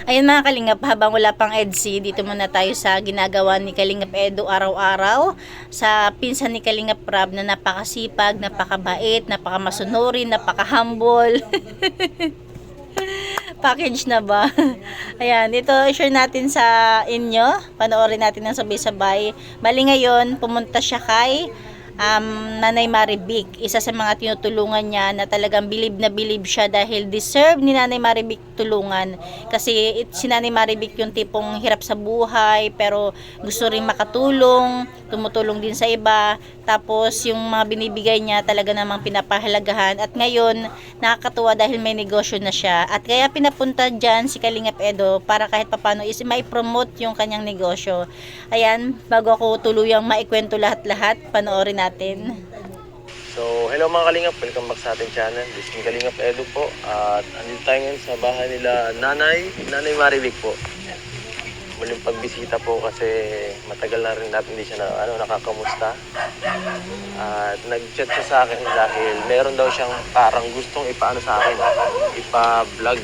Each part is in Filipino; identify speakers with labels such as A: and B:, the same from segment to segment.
A: Ayun mga Kalingap, habang wala pang EDC, dito muna tayo sa ginagawa ni Kalingap Edo araw-araw. Sa pinsan ni Kalingap Rab na napakasipag, napakabait, napakamasunurin, napaka-humble. Package na ba? Ayan, ito share natin sa inyo. Panoorin natin ng sabay-sabay. Bali ngayon, pumunta siya kay Nanay Maribik. Isa sa mga tinutulungan niya na talagang bilib na bilib siya dahil deserve ni Nanay Maribik tulungan. Kasi si Nanay Maribik yung tipong hirap sa buhay pero gusto rin makatulong, tumutulong din sa iba. Tapos yung mga binibigay niya talaga namang pinapahalagahan. At ngayon, nakakatuwa dahil may negosyo na siya. At kaya pinapunta dyan si Kalingap Edo para kahit papano is mai-promote yung kanyang negosyo. Ayan, bago ako tuluyang maikwento lahat-lahat, panoorin natin.
B: So, hello mga Kalingap, welcome back sa ating channel. This is Kalingap Edo po. At andito tayo ngayon sa bahay nila Nanay Maribik po. Muling pagbisita po kasi matagal na rin natin hindi siya nakakamusta. At nag-chat siya sa akin dahil meron daw siyang parang gustong ipaano sa akin, ipa-vlog.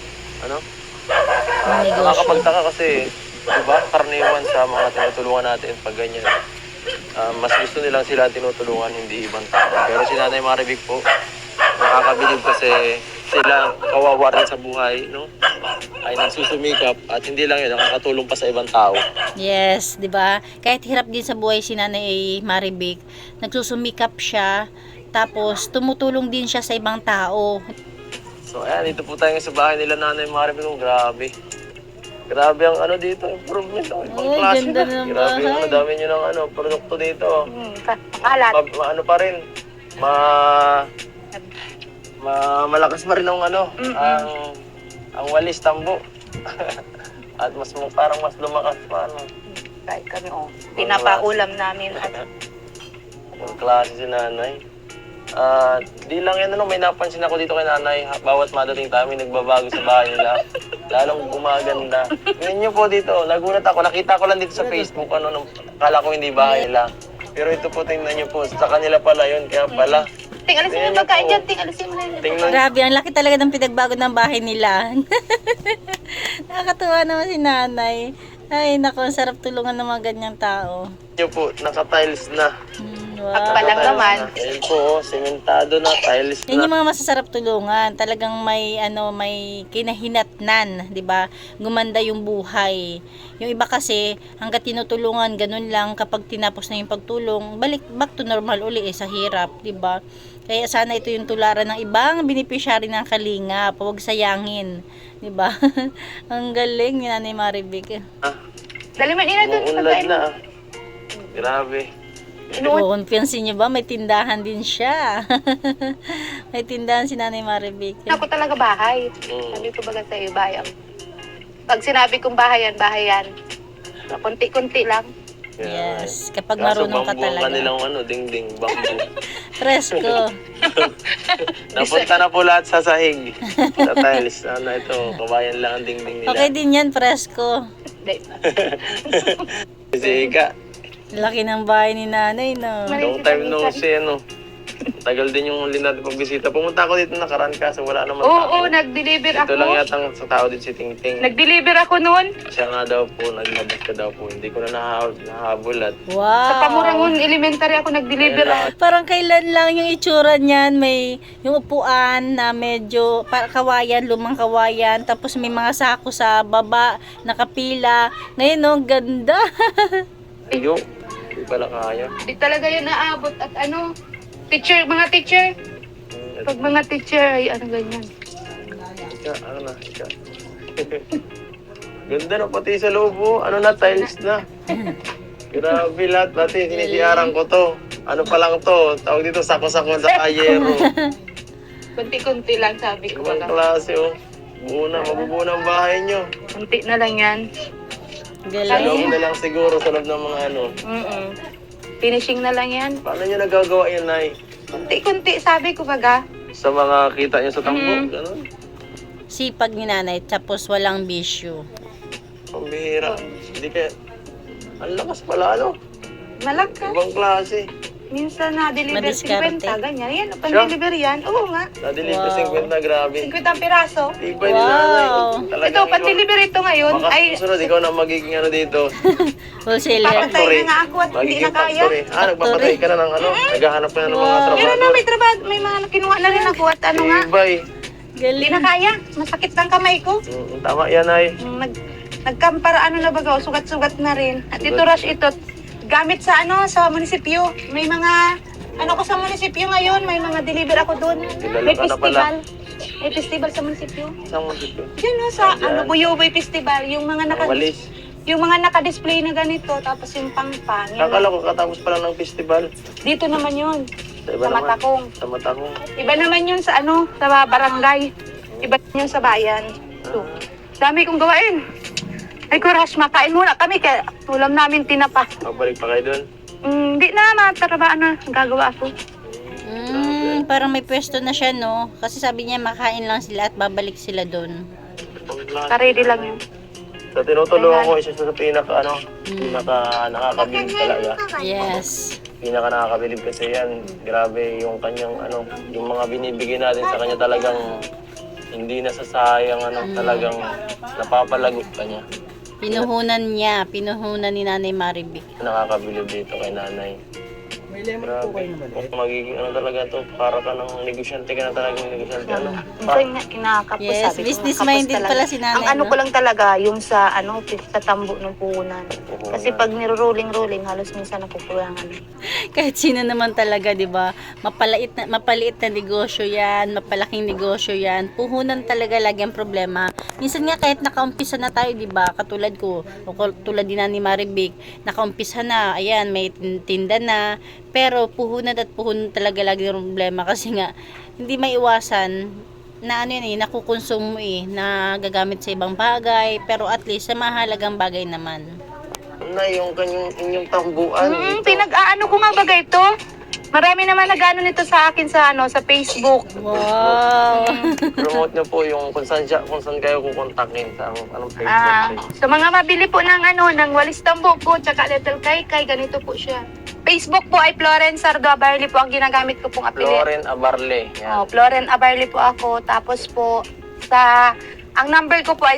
B: Nakakapagtaka kasi, diba, karaniwan sa mga tinutulungan natin pag ganyan. Mas gusto nilang sila tinutulungan, hindi ibang tao. Pero si Nanay Maribik po, nakakabilib kasi sila kawawa rin sa buhay, no? Ay nagsusumikap at hindi lang yun, nakakatulong pa sa ibang tao.
A: Yes, 'di ba? Kahit hirap din sa buhay si Nanay Maribik, nagsusumikap siya, tapos tumutulong din siya sa ibang tao.
B: So ayan, dito po tayo sa bahay nila Nanay Maribik. Oh, grabe. Grabe ang dito, improvement. Ibang
A: Ay,
B: klase
A: ganda
B: na.
A: ng
B: Grabe
A: bahay.
B: ang dami nyo ng produkto dito.
C: Alat.
B: Ano pa rin, malakas pa rin ang ang walis tambo. At parang mas lumakas pa
C: Kahit kami, pinapaulam namin.
B: Ang klase si Nanay. Di lang yan, may napansin ako dito kay Nanay. Bawat madating tayo, may nagbabago sa bahay nila. Lalong gumaganda. Ngayon nyo po dito, nagulat ako. Nakita ko lang dito sa Facebook, kala ko hindi bahay nila. Pero ito po, tingnan nyo po, sa kanila pala yun. Kaya pala,
C: Alisin mo yung pagkain dyan. Alisin mo na yun.
B: tingnan
A: Grabe, ang laki talaga ng pinagbago ng bahay nila. Nakakatuwa naman si Nanay. Ay, naku, ang sarap tulungan ng mga ganyang tao.
B: nyo po, naka-tiles na.
A: Wow.
C: Pagpalang naman.
B: Ayun po, sementado na, tiles
A: Yan
B: na.
A: yung mga masasarap tulungan. Talagang may kinahinatnan, 'di ba? Gumanda yung buhay. Yung iba kasi hangga't tinutulungan ganun lang, kapag tinapos na yung pagtulong, back to normal uli sa hirap, 'di ba? Kaya sana ito yung tularan ng ibang beneficiary ng Kalingap, huwag sayangin, 'di ba? Ang galing ni Nanay Maribik.
C: Dali mo nila doon.
B: Umuunlad na. Grabe.
A: Confidence niyo ba? May tindahan din siya. May tindahan si Nanay Maribik.
C: Ako talaga bahay. Sabi ko baga sa iyo, bahay. Pag sinabi kong bahayan, bahayan. Kunti-kunti lang.
A: Yes, kapag
B: Kaso
A: marunong ka
B: bambu ang
A: talaga.
B: kanilang dingding, bambu.
A: Presko.
B: Napunta na po lahat sa sahig. Sa tiles. Ito, kabayan lang ang dingding nila.
A: Okay din yan, presko.
B: Kasi Ika,
A: Laki ng bahay ni Nanay, no?
B: long time no see, Tagal din yung huli natin pagbisita. Pumunta ako dito nakaraan kaso wala naman
C: Oo,
B: tao.
C: nag-deliver
B: Ito
C: ako.
B: lang yata sa tao din si Tingting.
C: Nag-deliver ako noon.
B: Siya nga daw po, naglabas ka daw po. Hindi ko na nahabol at
A: Wow.
C: Sa Pamurangon Elementary ako nag-deliver.
A: Parang kailan lang yung itsura niyan, may yung upuan na medyo kawayan, lumang kawayan, tapos may mga sako sa baba, nakapila. Ngayon, no, ganda.
B: Iyo. Hindi pala kaya.
C: Di talaga yun naabot at teacher, mga teacher. Pag mga teacher ay ganyan.
B: Ika. Ganda na pati sa loob, tiles na. Grabe lahat, pati sinisiyaran ko to. Ano pa lang to, tawag dito sako-sako sa kayero.
C: Kunti-kunti lang sabi ko
B: Ibang
C: pala.
B: klase, mabubuo na ang bahay nyo.
C: Kunti na lang yan.
B: Sa loob
A: Galing.
B: na lang siguro, sa loob ng mga
C: Finishing na lang yan.
B: Paano nyo nagagawa yan, Nay?
C: Kunti-kunti sabi ko baga.
B: Sa mga kita nyo sa tambo, gano'n?
A: Sipag ni Nanay, tapos walang bisyo.
B: Pambihira. Hindi kaya, ang lakas pala,
C: Malakas.
B: Ibang klase.
C: Minsan na-deliver
A: Madiskarte.
C: 50, ganyan. Yan, pan-deliver yan. Oo nga.
B: Na-deliver
A: Wow.
B: 50, grabe.
C: 50 ang piraso.
B: Tibay ni
A: Wow.
B: nanay.
C: Ito,
B: Talagang
C: pan-deliver ito ngayon.
B: Baka
C: Ay,
B: susunod, ikaw na magiging ano dito.
A: Wholesaler.
C: papatay na nga ako at hindi
B: Magiging
C: na kaya.
B: factory. Nagpapatay ka na ng ano. Naghahanap ka na ng mga
A: Wow.
B: trabaho.
C: Meron na, may trabaho. May mga kinuha na rin ako at ano nga.
B: Tibay.
C: Hindi
A: Galing.
C: na kaya. Masakit ang kamay ko.
B: Tama yan ay.
C: Nagkampara ano na baga, sugat-sugat na rin. At ito rush ito, gamit sa ano, sa munisipyo. May mga, ano ko sa munisipyo ngayon, may mga deliver ako doon.
B: Kilala
C: May
B: ka na pala.
C: festival. May festival sa munisipyo.
B: Isang munisipyo.
C: Yan no, sa
B: Ayan.
C: ano, Buyoboy Festival. Yung mga
B: Ang walis.
C: yung mga naka-display na ganito, tapos yung pang-pang. Yung
B: Kakala ko katapos pa lang ng festival.
C: dito naman yun,
B: Sa iba
C: sa
B: naman.
C: Matakong.
B: Sa Matakong.
C: Iba naman yun sa ano, sa barangay. Iba yun sa bayan. So, dami kong gawain. Ay, Kurash, makain muna kami kaya ulam namin tinapa.
B: Magbalik pa kayo doon.
C: Hindi na, matarabaan na. Gagawa ako.
A: Parang may pwesto na siya, no? Kasi sabi niya makain lang sila at babalik sila doon.
C: Karedy lang yun.
B: So, tinutulungan ko isa sa pinaka nakakabilib talaga.
A: Yes.
B: Pinaka nakakabilib kasi yan. Grabe yung kanyang yung mga binibigay natin sa kanya talagang hindi nasasayang talagang napapalago ka niya.
A: Pinuhunan ni Nanay Maribik.
B: Nakakabilib dito kay nanay. Grabe. Magiging talaga to, para ka ng negosyante ka na talagang negosyante.
C: Ito yung kinakapos,
A: Yes,
C: sabi ko.
A: business-minded
C: kapos
A: pala
C: talaga.
A: si nanay,
C: Ang ano
A: no?
C: ko lang talaga, yung sa sa tambo ng puhunan. Kasi pag niro-rolling, halos minsan nakukulangan.
A: Kahit sino naman talaga, 'di ba? Mapaliit na negosyo 'yan, mapalaking negosyo 'yan. Puhunan talaga lagi ang problema. Minsan nga kahit nakaumpisa na tayo, 'di ba? Katulad ko, o tulad din ni Maribik, nakaumpisa na, ayan, may tinda na, pero puhunan talaga lagi ang problema kasi nga hindi maiwasan na nakukonsume mo na gagamit sa ibang bagay, pero at least sa mahalagang bagay naman.
B: Na yung inyong tambuan.
C: Pinag-aano ko nga baga ito. Marami naman nag-ano nito sa akin sa sa Facebook.
A: Wow!
B: Promote niyo po yung kung saan kayo kukontakin sa anong Facebook page.
C: Sa mga mabili po ng walis tambo ko, tsaka little kay ganito po siya. Facebook po ay Florence Sardo Abarli po ang ginagamit ko pong apelyido.
B: Lauren Abarle. Yan.
C: Oh, Floren Abarli po ako. Tapos po, ang number ko po ay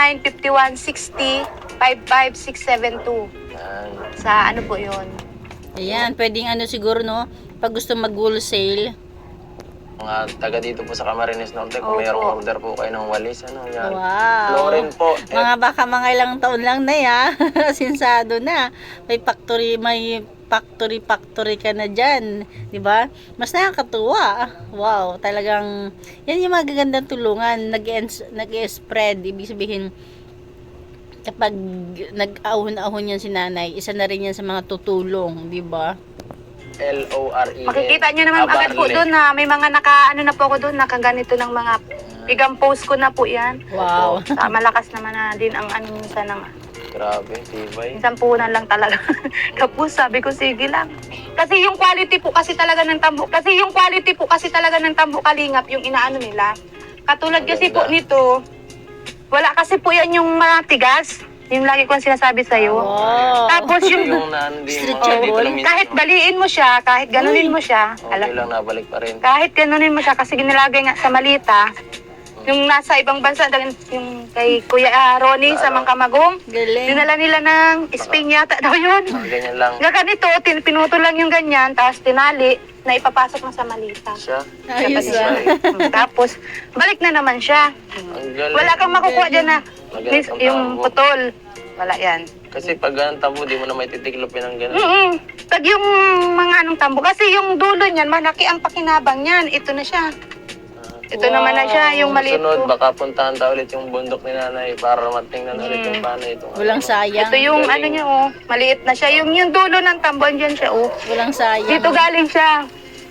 C: 095160-55672.
B: Yan.
C: Sa ano po yun?
A: Ayan, pwedeng siguro, no? Pag gusto mag-wholesale.
B: Mga taga dito po sa Camarines Norte, kung
C: Opo.
B: mayroong order po kayo ng walis, yan.
A: Wow!
B: Lauren po.
A: Baka mga ilang taon lang na ya. Sinsado na. May factory ka na dyan. 'Di ba? Mas nakakatuwa. Wow, talagang yan yung magagandang tulungan. Nag-spread. Ibig sabihin, kapag nag-ahon-ahon yan si nanay, isa na rin yan sa mga tutulong, 'di ba?
B: Lore.
C: Makikita nyo naman agad po doon na may mga na po ako doon, nakaganito ng mga bigang post ko na po yan.
A: Wow.
C: Malakas naman na din ang minsan ng
B: Grabe, tibay.
C: minsan puhunan lang talaga. Tapos sabi ko, sige lang. Kasi yung quality po kasi talaga ng tambo kalingap, yung inaano nila. Katulad kasi po nito, wala kasi po yan yung matigas. Yung lagi ko sinasabi sa'yo.
A: Wow.
C: Tapos yung,
B: Yung hindi mo
A: Stretchable.
C: kahit baliin mo siya, kahit ganunin mo siya,
B: okay lang, nabalik pa rin.
C: kahit ganunin mo siya, kasi ginilagay nga sa malita, yung nasa ibang bansa, yung kay Kuya Ronnie sa Mangkamagong,
A: Galing.
C: dinala nila ng Spain yata daw yun.
B: Ganyan lang.
C: Nga ganito, pinutol lang yung ganyan, tapos tinali, na ipapasok na sa malita.
B: Siya.
A: Ayos
C: Siya
A: ah.
C: Tapos, balik na naman siya.
B: Ang galing.
C: Wala kang makukuha dyan na
B: Magalit ang
C: yung
B: tambo.
C: putol. Wala yan.
B: Kasi pag ganun tambo, di mo na may titiklopin ng ganun.
C: Pag yung mga anong tambo, kasi yung dulo niyan, malaki ang pakinabang niyan. Ito na siya. Ito naman na siya, yung maliit
B: Sunod,
C: ko.
B: baka puntahan tayo ulit yung bundok ni nanay para matingnan ulit yung paano itong
A: Walang sayang.
C: Ito yung
B: Galing.
C: ano niya, maliit na siya. Yung dulo ng tambo, andyan siya,
A: Walang sayang.
C: Dito galing siya.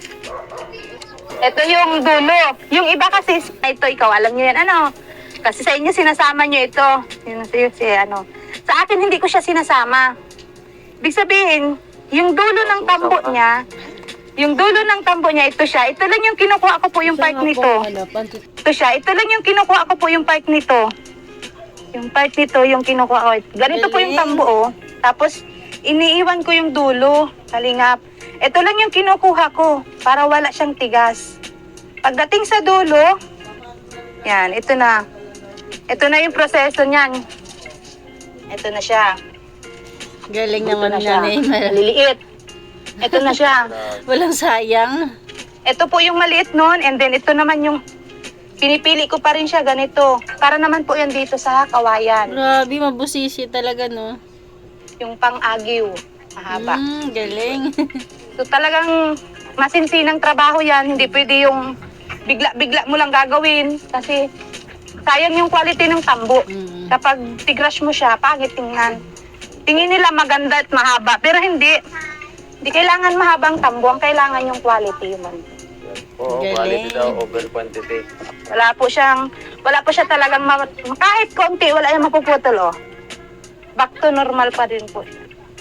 C: Ito yung dulo. Yung iba kasi, ito, ikaw, alam niyo yan, ano? Kasi sa inyo, sinasama niyo ito. Sa akin, hindi ko siya sinasama. Ibig sabihin, yung dulo ng tambo niya, ito siya. Ito lang yung kinukuha ko po yung part nito. Ito siya. Ito lang yung kinukuha ko po yung part nito. Yung part nito, yung kinukuha ko. Ganito po yung tambo, Tapos, iniiwan ko yung dulo. Kalingap. Ito lang yung kinukuha ko para wala siyang tigas. Pagdating sa dulo, yan, ito na. Ito na yung proseso niyan. Ito na siya.
A: Galing
C: Ito
A: naman
C: na siya.
A: nanay.
C: Maliliit. Ito na siya.
A: Walang sayang.
C: Ito po yung maliit nun, and then ito naman yung pinipili ko pa rin siya ganito. Para naman po yan dito sa kawayan.
A: Grabe, mabusisi talaga, no?
C: Yung pang-agiw. Mahaba.
A: Galing.
C: So talagang masinsinang trabaho yan. Hindi pwede yung bigla-bigla mo lang gagawin. Kasi sayang yung quality ng tambo. Kapag tigrush mo siya, pangit tingnan. Tingin nila maganda at mahaba. Pero hindi. Hindi kailangan mahabang tambo. Ang kailangan yung quality man.
B: Oo,
A: Galing.
B: quality daw over quantity.
C: Wala po siya talagang kahit konti, wala yung mapuputol, oh. Back to normal pa din po.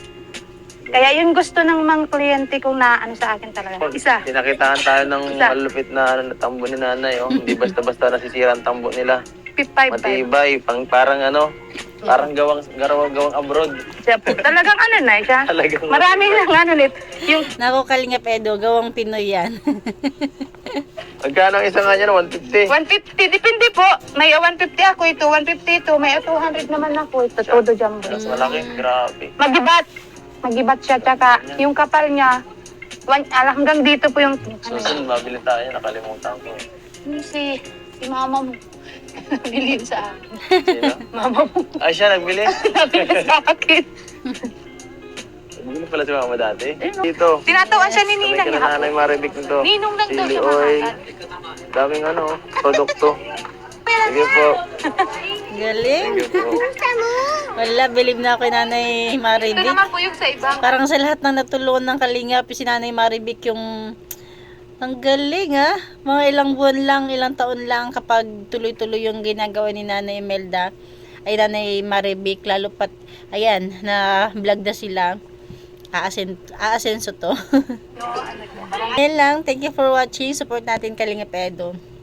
C: Kaya yun gusto ng mga kliyente kong na ano sa akin talaga. Isa.
B: Pinakitaan tayo ng
C: Isa.
B: malupit na tambo ni nanay. Oh. Hindi basta-basta nasisira ang tambo nila.
C: 555.
B: Matibay, parang gawang abroad.
C: Siya po. Talagang ano na siya.
B: Talagang
C: Marami lang ano nito. Yung
A: Nako, Kalingap Edo, gawang Pinoy yan.
B: Magkano ang isa nga niya? 150.
C: 150, depende po. May 150 ako ito, 150 ito, may 200 naman ako ito. Todo jumbo.
B: Mas malaki, grabe.
C: Magibat siya, tsaka yung kapal niya, hanggang dito po yung,
B: Susunod, mabili tayo. Nakalimutan ko.
C: si mama mo. Bilhin sa akin.
B: Sino?
C: Mama mo.
B: Ay, siya nagbili.
C: Nabili sa akin.
B: Nagbili pala si mama dati. Dito.
C: Tinatawan siya ni Nina
B: Sabi ka
C: niya.
B: na nanay Maribik nito.
C: Ninong lang daw
B: Chili
C: siya
B: oil.
C: makakal.
B: Daming produkto. Sige po.
A: Galing.
B: Sige po.
A: Wala, believe na ako kay Nanay
C: Ito
A: Maribik.
C: naman po yung sa ibang.
A: Parang sa lahat ng natulungan ng Kalingap, si Nanay Maribik yung ang galing, ha. Mga ilang buwan lang, ilang taon lang kapag tuloy-tuloy yung ginagawa ni Nanay Imelda ay Nanay Maribik, lalo pat ayan, na vlog na sila. Aasenso to. Yan lang. Thank you for watching. Support natin Kalingap Edo.